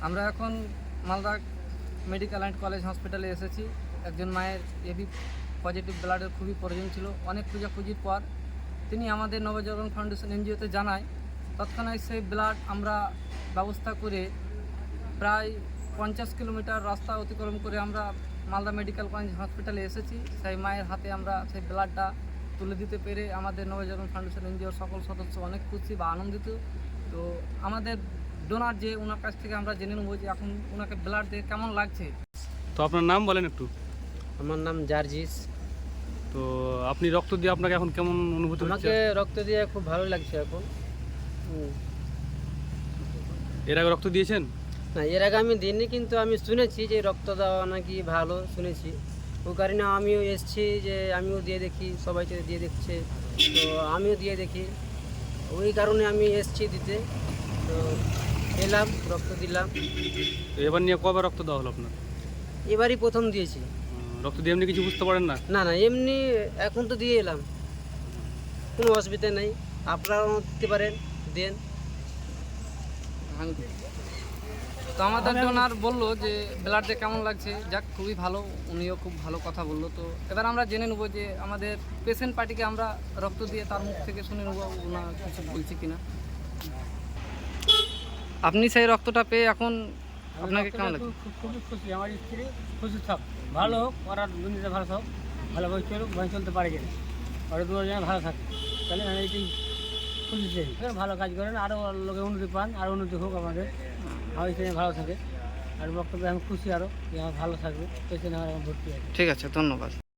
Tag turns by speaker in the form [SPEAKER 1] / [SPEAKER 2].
[SPEAKER 1] আমরা এখন Malda medical and college হসপিটালে এসেছি। একজন মায়ের এবি পজিটিভ ব্লাডের খুবই প্রয়োজন ছিল। অনেক খোঁজাখুঁজির পর তিনি আমাদের নবজাগরণ ফাউন্ডেশন এনজিওতে জানায়। তৎক্ষণাৎ সেই ব্লাড আমরা ব্যবস্থা করে প্রায় 50 কিলোমিটার রাস্তা অতিক্রম করে আমরা মালদা মেডিকেল কলেজ হসপিটালে এসেছি। সেই মায়ের হাতে আমরা সেই ব্লাডটা তুলে দিতে পেরে আমাদের নবজাগরণ ফাউন্ডেশন এনজিওর সকল সদস্য অনেক খুশি বা আনন্দিত। তো আমাদের ডোনার যে ওনার কাছ থেকে আমরা জেনে নেবো যে এখন ওনাকে ব্লাড দিয়ে কেমন লাগছে।
[SPEAKER 2] তো আপনার নাম বলেন একটু।
[SPEAKER 3] আমার নাম জার্জিস।
[SPEAKER 2] তো আপনি রক্ত দিয়ে আপনাকে এখন কেমন অনুভূতি হচ্ছে?
[SPEAKER 3] আমাকে রক্ত দিয়ে খুব ভালো লাগছে এখন।
[SPEAKER 2] এর আগে রক্ত দিয়েছেন?
[SPEAKER 3] না, এর আগে আমি দিইনি, কিন্তু আমি শুনেছি যে রক্ত দেওয়া নাকি ভালো, শুনেছি। ওই কারণে আমিও এসেছি যে আমিও দিয়ে দেখি, সবাই তো দিয়ে দেখছে, তো আমিও দিয়ে দেখি। ওই কারণে আমি এসেছি দিতে। তো এলাম, রক্ত দিলাম।
[SPEAKER 2] তো এবার নিয়ে কবে রক্ত দেওয়া হলো আপনার?
[SPEAKER 3] এবারই প্রথম দিয়েছি।
[SPEAKER 2] রক্ত দিয়ে এমনি কিছু বুঝতে পারেন না?
[SPEAKER 3] না না, এমনি এখন তো দিয়ে এলাম, কোনো অসুবিধা নেই। আপনারাও দিতে পারেন, দেন।
[SPEAKER 1] তো আমাদের ডোনার বললো যে ব্লাড দিয়ে কেমন লাগছে। যাক, খুবই ভালো, উনিও খুব ভালো কথা বললো। তো এবার আমরা জেনে নেবো যে আমাদের পেশেন্ট পার্টিকে আমরা রক্ত দিয়ে তার মুখ থেকে শুনে নেবো ওনার কিছু বলছে কিনা। আপনি সেই রক্তটা পেয়ে এখন আপনাকে কেমন লাগছে?
[SPEAKER 4] খুবই খুশি। আমার স্ত্রী খুশি থাক, ভালো হোক, ওরা দুনিয়াতে ভালো থাক, ভালোভাবে চলুক, ভালো চলতে পারে কিনা, ওরা দুজন ভালো থাকে, তাহলে আমি এটাই খুশি চাই। ভালো কাজ করেন, আরও লোকে উন্নতি পান, আরও উন্নতি হোক আমাদের, আমার স্ত্রী ভালো থাকে। আর বক্তব্যে আমি খুশি আরও, যে আমার ভালো থাকবে, পেছনে আমার এখন ভর্তি আছে।
[SPEAKER 1] ঠিক আছে, ধন্যবাদ।